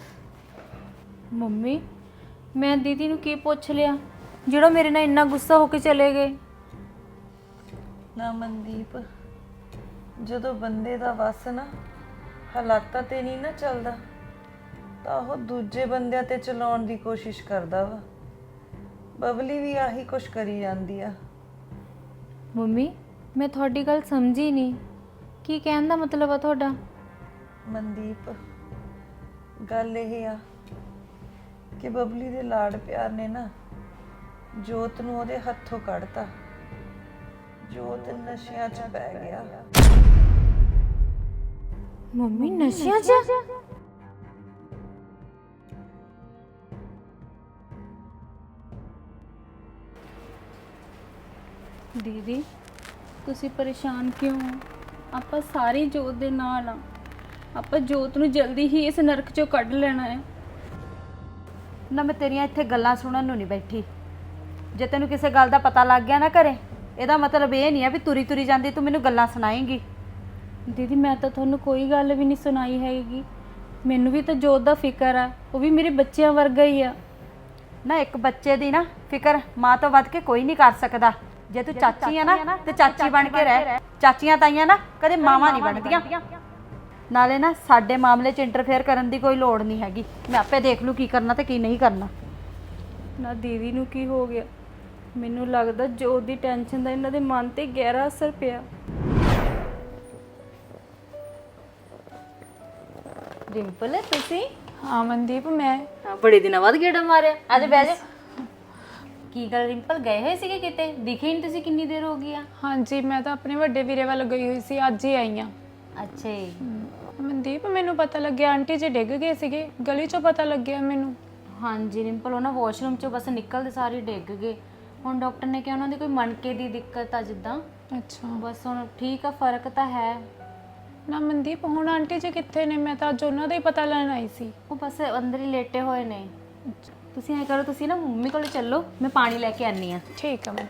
E: ਮੰਮੀ ਮੈਂ ਦੀਦੀ ਨੂੰ ਕੀ ਪੁੱਛ ਲਿਆ ਜਿਹੜਾ ਮੇਰੇ ਨਾਲ ਇੰਨਾ ਗੁੱਸਾ ਹੋ ਕੇ ਚਲੇ ਗਏ?
B: ਨਾ ਮਨਦੀਪ, ਜਦੋਂ ਬੰਦੇ ਦਾ ਵਸ ਨਾ ਹਾਲਾਤਾਂ ਤੇ ਨਹੀਂ ਨਾ ਚੱਲਦਾ ਤਾਂ ਉਹ ਦੂਜੇ ਬੰਦਿਆਂ ਤੇ ਚਲਾਉਣ ਦੀ ਕੋਸ਼ਿਸ਼ ਕਰਦਾ ਵਾ। ਬਬਲੀ ਵੀ ਆਹੀ ਕੁਛ ਕਰੀ ਜਾਂਦੀ ਆ।
E: ਮੰਮੀ ਮੈਂ ਤੁਹਾਡੀ ਗੱਲ ਸਮਝੀ ਨਹੀਂ, ਕੀ ਕਹਿਣ ਦਾ ਮਤਲਬ ਆ ਤੁਹਾਡਾ?
B: ਮਨਦੀਪ ਗੱਲ ਇਹ ਆ ਕਿ ਬਬਲੀ ਦੇ ਲਾਡ ਪਿਆਰ ਨੇ ਨਾ ਜੋਤ ਨੂੰ ਉਹਦੇ ਹੱਥੋਂ ਕੱਢਤਾ। ਜੋਤ ਨਸ਼ਿਆਂ 'ਚ ਪੈ ਗਿਆ।
E: ਮੰਮੀ ਨਸ਼ਿਆਂ 'ਚ? ਦੀਦੀ ਤੁਸੀਂ ਪਰੇਸ਼ਾਨ ਕਿਉਂ ਹੋ? ਆਪਾਂ ਸਾਰੇ ਜੋਤ ਦੇ ਨਾਲ ਆ। ਆਪਾਂ ਜੋਤ ਨੂੰ ਜਲਦੀ ਹੀ ਇਸ ਨਰਕ 'ਚੋਂ ਕੱਢ ਲੈਣਾ ਹੈ।
F: ਨਾ ਮੈਂ ਤੇਰੀਆਂ ਇੱਥੇ ਗੱਲਾਂ ਸੁਣਨ ਨੂੰ ਨਹੀਂ ਬੈਠੀ। ਜੇ ਤੈਨੂੰ ਕਿਸੇ ਗੱਲ ਦਾ ਪਤਾ ਲੱਗ ਗਿਆ ਨਾ ਘਰੇ, ਇਹਦਾ ਮਤਲਬ ਇਹ ਨਹੀਂ ਆ ਵੀ ਤੁਰੀ ਤੁਰੀ ਜਾਂਦੀ ਤੂੰ ਮੈਨੂੰ ਗੱਲਾਂ ਸੁਣਾਏਂਗੀ।
E: ਦੀਦੀ ਮੈਂ ਤਾਂ ਤੁਹਾਨੂੰ ਕੋਈ ਗੱਲ ਵੀ ਨਹੀਂ ਸੁਣਾਈ ਹੈਗੀ। ਮੈਨੂੰ ਵੀ ਤਾਂ ਜੋਤ ਦਾ ਫਿਕਰ ਆ, ਉਹ ਵੀ ਮੇਰੇ ਬੱਚਿਆਂ ਵਰਗਾ ਹੀ ਆ।
F: ਨਾ ਇੱਕ ਬੱਚੇ ਦੀ ਨਾ ਫਿਕਰ ਮਾਂ ਤੋਂ ਵੱਧ ਕੇ ਕੋਈ ਨਹੀਂ ਕਰ ਸਕਦਾ। ਜੇ ਤੂੰ ਚਾਚੀ ਆ ਨਾ ਤੇ ਚਾਚੀ ਬਣ ਕੇ ਰਹਿ। ਚਾਚੀਆਂ ਤਾਈਆਂ ਨਾ ਕਦੇ ਮਾਵਾਂ ਨਹੀਂ ਬਣਦੀਆਂ। ਨਾਲੇ ਨਾ ਸਾਡੇ ਮਾਮਲੇ 'ਚ ਇੰਟਰਫੇਅਰ ਕਰਨ ਦੀ ਕੋਈ ਲੋੜ ਨਹੀਂ ਹੈਗੀ। ਮੈਂ ਆਪੇ ਦੇਖ ਲੂ ਕੀ ਕਰਨਾ ਤੇ ਕੀ ਨਹੀਂ ਕਰਨਾ।
E: ਨਾ ਦੀਦੀ ਨੂੰ ਕੀ ਹੋ ਗਿਆ? ਮੈਨੂੰ ਲੱਗਦਾ ਜੋਤ ਦੀ ਟੈਨਸ਼ਨ ਦਾ ਇਹਨਾਂ ਦੇ ਮਨ ਤੇ ਗਹਿਰਾ ਅਸਰ ਪਿਆ।
F: ਰਿੰਪਲ ਤੁਸੀਂ?
E: ਹਾਂ ਮਨਦੀਪ ਮੈਂ।
F: ਬੜੇ ਦਿਨਾਂ ਬਾਅਦ ਗੇੜਾ ਮਾਰਿਆ। ਅੱਜ ਬਹਿ ਜਾ। ਕੀ ਗੱਲ ਰਿੰਪਲ, ਗਏ ਹੋਏ ਸੀਗੇ ਕਿਤੇ? ਦਿਖੇ ਨਹੀਂ ਤੁਸੀਂ, ਕਿੰਨੀ ਦੇਰ ਹੋ ਗਈ ਆ?
K: ਹਾਂਜੀ ਮੈਂ ਤਾਂ ਆਪਣੇ ਵੱਡੇ ਵੀਰੇ ਵੱਲ ਗਈ ਹੋਈ ਸੀ, ਅੱਜ ਹੀ ਆਈ ਆ।
F: ਅੱਛਾ ਜੀ।
K: ਮਨਦੀਪ ਮੈਨੂੰ ਪਤਾ ਲੱਗਿਆ ਆਂਟੀ ਜੀ ਡਿੱਗ ਗਏ ਸੀਗੇ, ਗਲੀ 'ਚੋਂ ਪਤਾ ਲੱਗਿਆ ਮੈਨੂੰ।
F: ਹਾਂਜੀ ਰਿੰਪਲ, ਉਹ ਨਾ ਵਾਸ਼ਰੂਮ 'ਚੋਂ ਬਸ ਨਿਕਲਦੇ ਸਾਰੇ ਡਿੱਗ ਗਏ। ਹੁਣ ਡਾਕਟਰ ਨੇ ਕਿਹਾ ਉਹਨਾਂ ਦੀ ਕੋਈ ਮਣਕੇ ਦੀ ਦਿੱਕਤ ਆ ਜਿੱਦਾਂ।
K: ਅੱਛਾ
F: ਬਸ ਹੁਣ ਠੀਕ ਆ, ਫਰਕ ਤਾਂ ਹੈ।
K: ਨਾ ਮਨਦੀਪ ਹੁਣ ਆਂਟੀ ਜੀ ਕਿੱਥੇ ਨੇ? ਮੈਂ ਤਾਂ ਅੱਜ ਉਹਨਾਂ ਦਾ ਹੀ ਪਤਾ ਲੈਣ ਆਈ ਸੀ।
F: ਉਹ ਬਸ ਅੰਦਰ ਹੀ ਲੇਟੇ ਹੋਏ ਨੇ। ਤੁਸੀਂ ਐਂ ਕਰੋ, ਤੁਸੀਂ ਨਾ ਮੰਮੀ ਕੋਲ ਚੱਲੋ, ਮੈਂ ਪਾਣੀ ਲੈ ਕੇ ਆਨੀ ਆ।
K: ਠੀਕ ਆ ਮੈਂ।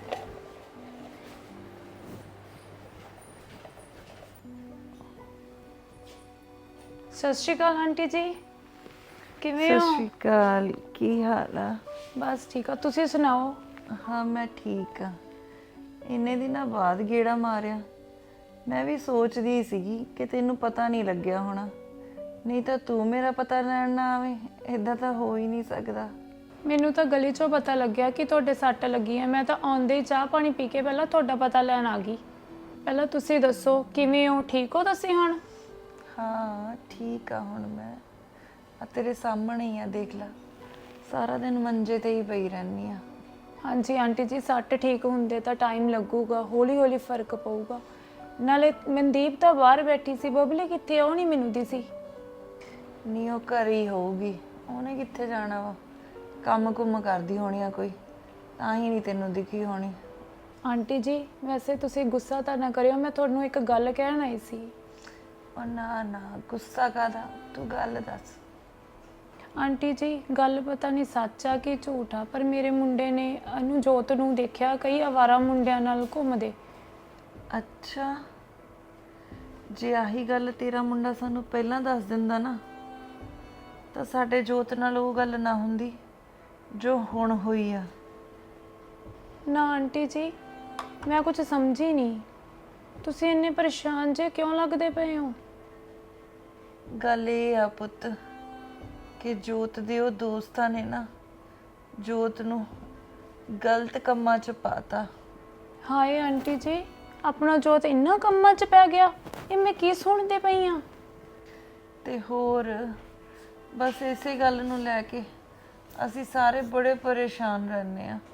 K: ਸਤਿ ਸ਼੍ਰੀ ਅਕਾਲ ਆਂਟੀ ਜੀ, ਕਿਵੇਂ ਹੋ?
B: ਸਤਿ ਸ਼੍ਰੀ ਅਕਾਲ, ਕੀ ਹਾਲ ਆ?
K: ਬਸ ਠੀਕ ਆ, ਤੁਸੀਂ ਸੁਣਾਓ?
B: ਹਾਂ ਮੈਂ ਠੀਕ ਆ।
F: ਇੰਨੇ ਦਿਨਾਂ ਬਾਅਦ ਗੇੜਾ ਮਾਰਿਆ। ਮੈਂ ਵੀ ਸੋਚਦੀ ਸੀਗੀ ਕਿ ਤੈਨੂੰ ਪਤਾ ਨਹੀਂ ਲੱਗਿਆ ਹੋਣਾ, ਨਹੀਂ ਤਾਂ ਤੂੰ ਮੇਰਾ ਪਤਾ ਲੈਣ ਨਾ ਆਵੇਂ। ਇਦਾਂ ਤਾਂ ਹੋ ਹੀ ਨਹੀਂ ਸਕਦਾ।
K: ਮੈਨੂੰ ਤਾਂ ਗਲੀ 'ਚੋਂ ਪਤਾ ਲੱਗਿਆ ਕਿ ਤੁਹਾਡੇ ਸੱਟ ਲੱਗੀ ਹੈ। ਮੈਂ ਤਾਂ ਆਉਂਦੇ ਹੀ ਚਾਹ ਪਾਣੀ ਪੀ ਕੇ ਪਹਿਲਾਂ ਤੁਹਾਡਾ ਪਤਾ ਲੈਣ ਆ ਗਈ। ਪਹਿਲਾਂ ਤੁਸੀਂ ਦੱਸੋ ਕਿਵੇਂ ਹੋ, ਠੀਕ ਹੋ ਤੁਸੀਂ ਹੁਣ?
F: ਹਾਂ ਠੀਕ ਆ ਹੁਣ ਮੈਂ। ਆ ਤੇਰੇ ਸਾਹਮਣੇ ਹੀ ਆ, ਦੇਖ ਲੈ, ਸਾਰਾ ਦਿਨ ਮੰਜੇ ਤੇ ਹੀ ਪਈ ਰਹਿੰਦੀ ਆ।
K: ਹਾਂਜੀ ਆਂਟੀ ਜੀ, ਸੱਟ ਠੀਕ ਹੁੰਦੇ ਤਾਂ ਟਾਈਮ ਲੱਗੂਗਾ, ਹੌਲੀ ਹੌਲੀ ਫਰਕ ਪਊਗਾ। ਨਾਲੇ ਮਨਦੀਪ ਤਾਂ ਬਾਹਰ ਬੈਠੀ ਸੀ, ਬਬਲੀ ਕਿੱਥੇ? ਉਹ ਨਹੀਂ ਮੈਨੂੰ ਦਿਸੀ।
F: ਨਹੀਂ ਉਹ ਘਰ ਹੀ ਹੋਊਗੀ, ਉਹਨੇ ਕਿੱਥੇ ਜਾਣਾ ਵਾ? ਕੰਮ ਕੁੰਮ ਕਰਦੀ ਹੋਣੀ ਆ ਕੋਈ, ਤਾਂ ਹੀ ਨਹੀਂ ਤੈਨੂੰ ਦਿਖੀ ਹੋਣੀ।
K: ਆਂਟੀ ਜੀ ਵੈਸੇ ਤੁਸੀਂ ਗੁੱਸਾ ਤਾਂ ਨਾ ਕਰਿਓ, ਮੈਂ ਤੁਹਾਨੂੰ ਇੱਕ ਗੱਲ ਕਹਿਣ ਆਈ ਸੀ।
F: ਉਹ ਨਾ ਨਾ ਗੁੱਸਾ ਕਾਹਦਾ, ਤੂੰ ਗੱਲ ਦੱਸ।
K: ਆਂਟੀ ਜੀ ਗੱਲ ਪਤਾ ਨਹੀਂ ਸੱਚ ਆ ਕਿ ਝੂਠ ਆ, ਪਰ ਮੇਰੇ ਮੁੰਡੇ ਨੇ ਇਹਨੂੰ ਜੋਤ ਨੂੰ ਦੇਖਿਆ ਕਈ ਅਵਾਰਾ ਮੁੰਡਿਆਂ ਨਾਲ ਘੁੰਮਦੇ।
F: ਅੱਛਾ, ਜੇ ਆਹੀ ਗੱਲ ਤੇਰਾ ਮੁੰਡਾ ਸਾਨੂੰ ਪਹਿਲਾਂ ਦੱਸ ਦਿੰਦਾ ਨਾ, ਤਾਂ ਸਾਡੇ ਜੋਤ ਨਾਲ ਉਹ ਗੱਲ ਨਾ ਹੁੰਦੀ ਜੋ ਹੁਣ ਹੋਈ ਆ।
K: ਨਾ ਆਂਟੀ ਜੀ ਮੈਂ ਕੁਝ ਸਮਝੀ ਨਹੀਂ, ਤੁਸੀਂ ਇੰਨੇ ਪਰੇਸ਼ਾਨ ਜੇ ਕਿਉਂ ਲੱਗਦੇ ਪਏ ਹੋ?
F: ਗੱਲ ਇਹ ਆ ਪੁੱਤ ਕਿ ਜੋਤ ਦੇ ਉਹ ਦੋਸਤਾਂ ਨੇ ਨਾ ਜੋਤ ਨੂੰ ਗਲਤ ਕੰਮਾਂ 'ਚ ਪਾਤਾ।
K: ਹਾਏ ਆਂਟੀ ਜੀ, ਆਪਣਾ ਜੋਤ ਇੰਨਾ ਕੰਮਾਂ 'ਚ ਪੈ ਗਿਆ, ਇਹ ਮੈਂ ਕੀ ਸੁਣਦੇ ਪਈ ਆ?
F: ਤੇ ਹੋਰ ਬਸ ਇਸੇ ਗੱਲ ਨੂੰ ਲੈ ਕੇ ਅਸੀਂ ਸਾਰੇ ਬੜੇ ਪਰੇਸ਼ਾਨ ਰਹਿੰਦੇ ਆ।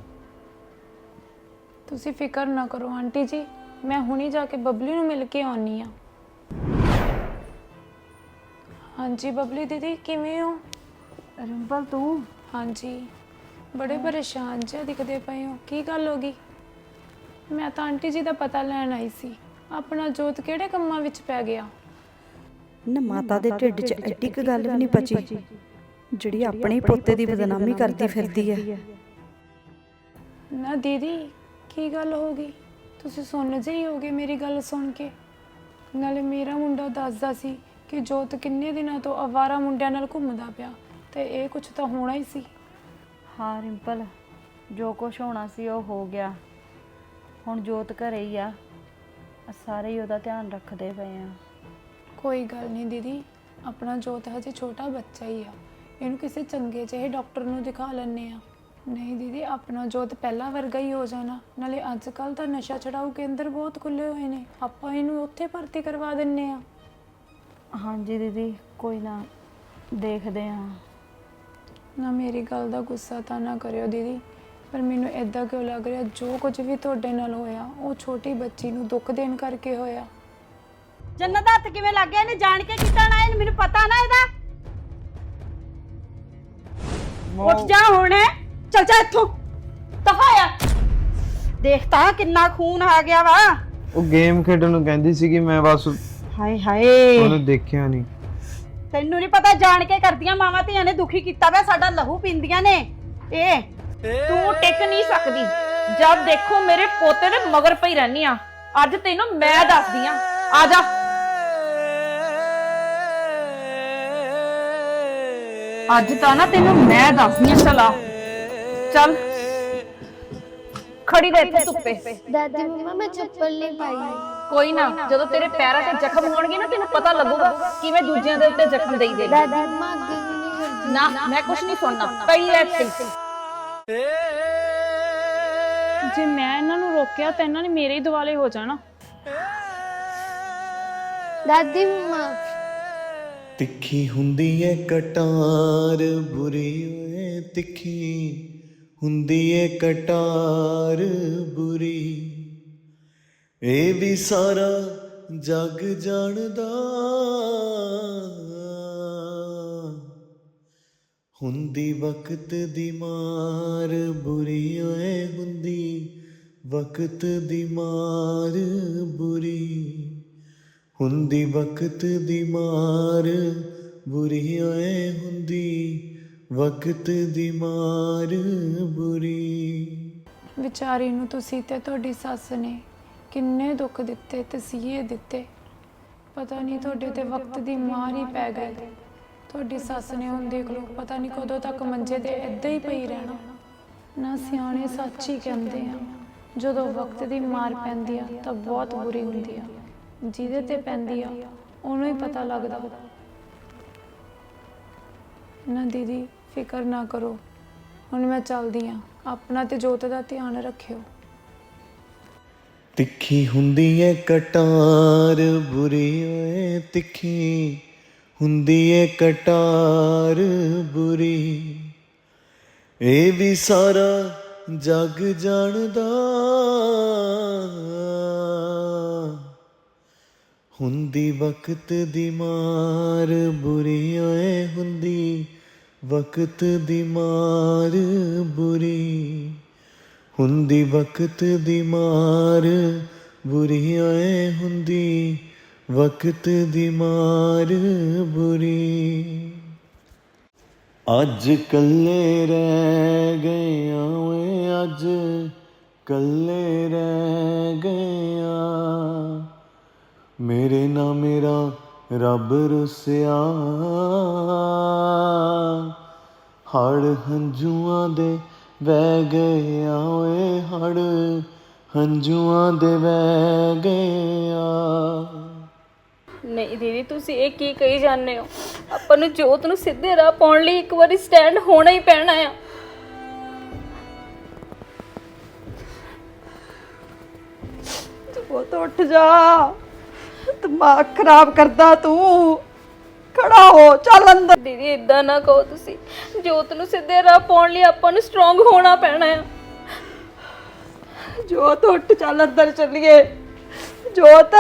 K: ਤੁਸੀਂ ਫਿਕਰ ਨਾ ਕਰੋ ਆਂਟੀ ਜੀ, ਮੈਂ ਹੁਣੀ ਜਾ ਕੇ ਬਬਲੀ ਨੂੰ ਮਿਲ ਕੇ ਆਉਣੀ ਆ। ਹਾਂਜੀ ਬਬਲੀ ਦੀਦੀ ਕਿਵੇਂ ਹੋ?
F: ਰਿੰਪਲ ਤੂੰ?
K: ਹਾਂਜੀ ਬੜੇ ਪਰੇਸ਼ਾਨ ਜਿਹਾ ਦਿਖਦੇ ਪਏ ਹੋ, ਕੀ ਗੱਲ ਹੋ ਗਈ? ਮੈਂ ਤਾਂ ਆਂਟੀ ਜੀ ਦਾ ਪਤਾ ਲੈਣ ਆਈ ਸੀ, ਆਪਣਾ ਜੋਤ ਕਿਹੜੇ ਕੰਮਾਂ ਵਿੱਚ ਪੈ ਗਿਆ?
L: ਨਾ ਮਾਤਾ ਦੇ ਢਿੱਡ 'ਚ ਐਡੀ ਕੁ ਗੱਲ ਵੀ ਨਹੀਂ ਬਚੀ ਜਿਹੜੀ ਆਪਣੇ ਪੋਤੇ ਦੀ ਬਦਨਾਮੀ ਕਰਦੀ ਫਿਰਦੀ ਹੈ।
K: ਨਾ ਦੀਦੀ ਕੀ ਗੱਲ ਹੋ ਗਈ? ਤੁਸੀਂ ਸੁਣ ਜਿਹੀ ਹੋਗੇ ਮੇਰੀ ਗੱਲ ਸੁਣ ਕੇ। ਨਾਲੇ ਮੇਰਾ ਮੁੰਡਾ ਦੱਸਦਾ ਸੀ ਕਿ ਜੋਤ ਕਿੰਨੇ ਦਿਨਾਂ ਤੋਂ ਅਵਾਰਾ ਮੁੰਡਿਆਂ ਨਾਲ ਘੁੰਮਦਾ ਪਿਆ, ਤੇ ਇਹ ਕੁਝ ਤਾਂ ਹੋਣਾ ਹੀ ਸੀ।
B: ਹਾਂ ਰਿੰਪਲ, ਜੋ ਕੁਝ ਹੋਣਾ ਸੀ ਉਹ ਹੋ ਗਿਆ। ਹੁਣ ਜੋਤ ਘਰੇ ਹੀ ਆ, ਸਾਰੇ ਹੀ ਉਹਦਾ ਧਿਆਨ ਰੱਖਦੇ ਪਏ ਆ।
K: ਕੋਈ ਗੱਲ ਨਹੀਂ ਦੀਦੀ, ਆਪਣਾ ਜੋਤ ਹਜੇ ਛੋਟਾ ਬੱਚਾ ਹੀ ਆ, ਇਹਨੂੰ ਕਿਸੇ ਚੰਗੇ ਜਿਹੇ ਡਾਕਟਰ ਨੂੰ ਦਿਖਾ ਲੈਣੇ ਆ। ਨਹੀਂ ਦੀਦੀ, ਆਪਣਾ ਜੋਤ ਪਹਿਲਾਂ ਵਰਗਾ ਹੀ ਹੋ ਜਾਣਾ। ਨਾਲੇ ਅੱਜ ਕੱਲ੍ਹ ਤਾਂ ਨਸ਼ਾ ਛਡਾਊ ਕੇਂਦਰ ਬਹੁਤ ਖੁੱਲ੍ਹੇ ਹੋਏ ਨੇ, ਆਪਾਂ ਇਹਨੂੰ ਉੱਥੇ ਭਰਤੀ ਕਰਵਾ ਦਿੰਨੇ ਆ।
B: ਹਾਂਜੀ ਦੀਦੀ ਕੋਈ ਨਾ, ਦੇਖਦੇ ਆ।
K: ਨਾ ਮੇਰੀ ਗੱਲ ਦਾ ਗੁੱਸਾ ਤਾਂ ਨਾ ਕਰਿਓ ਦੀਦੀ, ਪਰ ਮੈਨੂੰ ਇਦਾਂ ਕਿਉਂ ਲੱਗ ਰਿਹਾ ਜੋ ਕੁਝ ਵੀ ਤੁਹਾਡੇ ਨਾਲ ਹੋਇਆ ਉਹ ਛੋਟੀ ਬੱਚੀ ਨੂੰ ਦੁੱਖ ਦੇਣ ਕਰਕੇ ਹੋਇਆ।
F: ਜੰਨਤ ਦਾ ਹੱਥ ਕਿਵੇਂ ਲੱਗ ਗਿਆ? ਇਹਨੇ ਜਾਣ ਕੇ ਕੀਤਾ ਨਾ, ਇਹਨੂੰ ਮੈਨੂੰ ਪਤਾ ਨਾ ਇਹਦਾ। ਉੱਠ ਜਾ ਹੁਣ, ਚੱਲ ਜਾ ਇੱਥੋਂ, ਦਫਾ ਆ। ਦੇਖ ਤਾਂ ਕਿੰਨਾ ਖੂਨ ਆ ਗਿਆ ਵਾ।
C: ਉਹ ਗੇਮ ਖੇਡਣ ਨੂੰ ਕਹਿੰਦੀ ਸੀਗੀ, ਮੈਂ ਬਸ
F: ਹਾਏ ਹਾਏ
C: ਉਹਨੂੰ ਦੇਖਿਆ ਨਹੀਂ।
F: ਤੈਨੂੰ ਨਹੀਂ ਪਤਾ, ਜਾਣ ਕੇ ਕਰਦੀਆਂ ਮਾਵਾਂ ਧੀਆਂ ਨੇ ਦੁਖੀ ਕੀਤਾ ਵਾ, ਸਾਡਾ ਲਹੂ ਪੀਂਦੀਆਂ ਨੇ ਇਹ।
M: ਤੂੰ ਟਿਕ ਨਹੀਂ ਸਕਦੀ, ਜਦ ਦੇਖੋ ਮੇਰੇ ਪੋਤੇ ਦੇ ਮਗਰ ਪਈ ਰਹਿਨੀ ਆ। ਅੱਜ ਤੈਨੂੰ ਮੈਂ ਦੱਸਦੀ ਆ, ਆ ਜਾ। ਅੱਜ ਤਾਂ ਨਾ ਤੈਨੂੰ ਮੈਂ ਦੱਸਦੀ ਆ, ਚਲਾ ਚੱਲ ਖੜੀ ਰਹਿ ਇੱਥੇ ਧੁੱਪੇ।
N: ਦਾਦੀ ਮੰਮਾ ਮੈਂ ਚੱਪਲ ਨਹੀਂ ਪਾਈ।
M: ਕੋਈ ਨਾ, ਜਦੋਂ ਤੇਰੇ ਪੈਰਾਂ ਤੇ ਜ਼ਖਮ ਹੋਣਗੇ ਨਾ ਤੈਨੂੰ ਪਤਾ ਲੱਗੂਗਾ ਕਿਵੇਂ ਦੂਜਿਆਂ ਦੇ ਉੱਤੇ ਜ਼ਖਮ ਦੇਈ ਦੇ।
N: ਦਾਦੀ ਮੰਮਾ ਅੱਗੇ ਵੀ ਨਹੀਂ ਕਰਦੀ।
M: ਨਾ ਮੈਂ ਕੁਝ ਨਹੀਂ ਸੁਣਨਾ, ਪਈ ਰਹਿ ਇੱਥੇ।
K: ਜੇ ਮੈਂ ਇਹਨਾਂ ਨੂੰ ਰੋਕਿਆ ਤਾਂ ਇਹਨਾਂ ਨੇ ਮੇਰੇ ਹੀ ਦੁਆਲੇ ਹੋ ਜਾਣਾ।
N: ਦਾਦੀ ਮੰਮਾ
D: ਤਿੱਖੀ ਹੁੰਦੀ ਏ ਕਟਾਰ ਬੁਰੀ ਓਏ, ਤਿੱਖੀ ਹੁੰਦੀ ਏ ਕਟਾਰ ਬੁਰੀ, ਇਹ ਵੀ ਸਾਰਾ ਜੱਗ ਜਾਣਦਾ। ਹੁੰਦੀ ਵਕਤ ਦੀ ਮਾਰ ਬੁਰੀ ਓਏ, ਹੁੰਦੀ ਵਕਤ ਦੀ ਮਾਰ ਬੁਰੀ, ਹੁੰਦੀ ਵਕਤ ਦੀ ਮਾਰ ਬੁਰੀ ਓਏ, ਹੁੰਦੀ ਵਕਤ ਦੀ ਮਾਰ ਬੁਰੀ।
K: ਵਿਚਾਰੀ ਨੂੰ ਤੁਸੀਂ ਤੇ ਤੁਹਾਡੀ ਸੱਸ ਨੇ ਕਿੰਨੇ ਦੁੱਖ ਦਿੱਤੇ, ਤਸੀਹੇ ਦਿੱਤੇ। ਪਤਾ ਨਹੀਂ ਤੁਹਾਡੇ ਤੇ ਵਕਤ ਦੀ ਮਾਰ ਹੀ ਪੈ ਗਈ। ਤੁਹਾਡੀ ਸੱਸ ਨੇ ਹੁਣ ਦੇਖ ਲਓ ਪਤਾ ਨਹੀਂ ਕਦੋਂ ਤੱਕ ਮੰਜੇ ਤੇ ਇੱਦਾਂ ਹੀ ਪਈ ਰਹਿਣਾ। ਨਾ ਸਿਆਣੇ ਸੱਚ ਹੀ ਕਹਿੰਦੇ ਆ, ਜਦੋਂ ਵਕਤ ਦੀ ਮਾਰ ਪੈਂਦੀ ਆ ਤਾਂ ਬਹੁਤ ਬੁਰੀ ਹੁੰਦੀ ਆ। ਜਿਹਦੇ ਤੇ ਪੈਂਦੀ ਆ ਉਹਨੂੰ ਹੀ ਪਤਾ ਲੱਗਦਾ। ਨਾ ਦੀਦੀ ਫਿਕਰ ਨਾ ਕਰੋ, ਹੁਣ ਮੈਂ ਚੱਲਦੀ ਆ। ਆਪਣਾ ਤੇ ਜੋਤ ਦਾ ਧਿਆਨ ਰੱਖਿਓ।
D: ਤਿੱਖੀ ਹੁੰਦੀ ਏ ਕਟਾਰ ਬੁਰੀ ਓਏ, ਤਿੱਖੀ ਹੁੰਦੀ ਏ ਕਟਾਰ ਬੁਰੀ, ਇਹ ਵੀ ਸਾਰਾ ਜੱਗ ਜਾਣਦਾ। ਹੁੰਦੀ ਵਕਤ ਦੀ ਮਾਰ ਬੁਰੀ ਓਏ, ਹੁੰਦੀ ਵਕਤ ਦੀ ਮਾਰ ਬੁਰੀ, ਹੁੰਦੀ ਵਕਤ ਦੀ ਮਾਰ ਬੁਰੀ ਓਏ, ਹੁੰਦੀ ਵਕਤ ਦੀ ਮਾਰ ਬੁਰੀ। ਅੱਜ ਕੱਲੇ ਰਹਿ ਗਏ ਆਂ ਓਏ, ਅੱਜ ਕੱਲੇ ਰਹਿ ਗਏ ਆਂ, ਮੇਰੇ ਨਾਲ ਮੇਰਾ ਰੱਬ ਰੁੱਸਿਆ। ਹੜ ਹੰਝੂਆਂ ਦੇ ਵਹਿ ਗਏ ਆ ਓਏ, ਹੜ ਹੰਝੂਆਂ ਦੇ ਵਹਿ ਗਏ ਆ।
E: ਨਹੀਂ ਦੀਦੀ, ਤੁਸੀਂ ਇਹ ਕੀ ਕਹੀ ਜਾਂਦੇ ਹੋ? ਆਪਾਂ ਨੂੰ ਜੋਤ ਨੂੰ ਸਿੱਧੇ ਰਾਹ ਪਾਉਣ ਲਈ ਇੱਕ ਵਾਰੀ ਸਟੈਂਡ ਹੋਣਾ ਹੀ ਪੈਣਾ ਆ।
F: ਜੋਤ ਉੱਠ ਜਾ, ਦਿਮਾਗ ਖਰਾਬ ਕਰਦਾ ਤੂੰ। ਖੜਾ ਹੋ, ਚੱਲ ਅੰਦਰ।
E: ਦੀਦੀ ਇਦਾਂ ਨਾ ਕਹੋ ਤੁਸੀਂ। ਜੋਤ ਨੂੰ ਸਿੱਧੇ ਰਾਹ ਪਾਉਣ ਲਈ ਆਪਾਂ ਨੂੰ ਸਟਰੋਂਗ ਹੋਣਾ ਪੈਣਾ ਆ।
F: ਜੋਤ ਉੱਠ, ਚੱਲ ਅੰਦਰ ਚੱਲੀਏ। ਜੋਤ,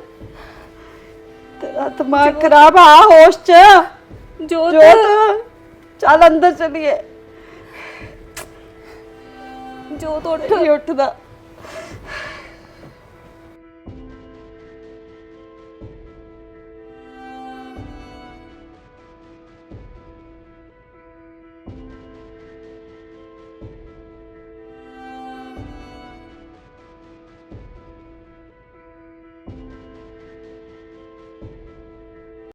F: ਤੇਰਾ ਦਿਮਾਗ ਖਰਾਬ ਆ, ਹੋਸ਼ ਚ।
E: ਜੋਤ,
F: ਚੱਲ ਅੰਦਰ ਚੱਲੀਏ।
E: ਜੋਤ ਉੱਠ।
F: ਨਹੀਂ ਉੱਠਦਾ।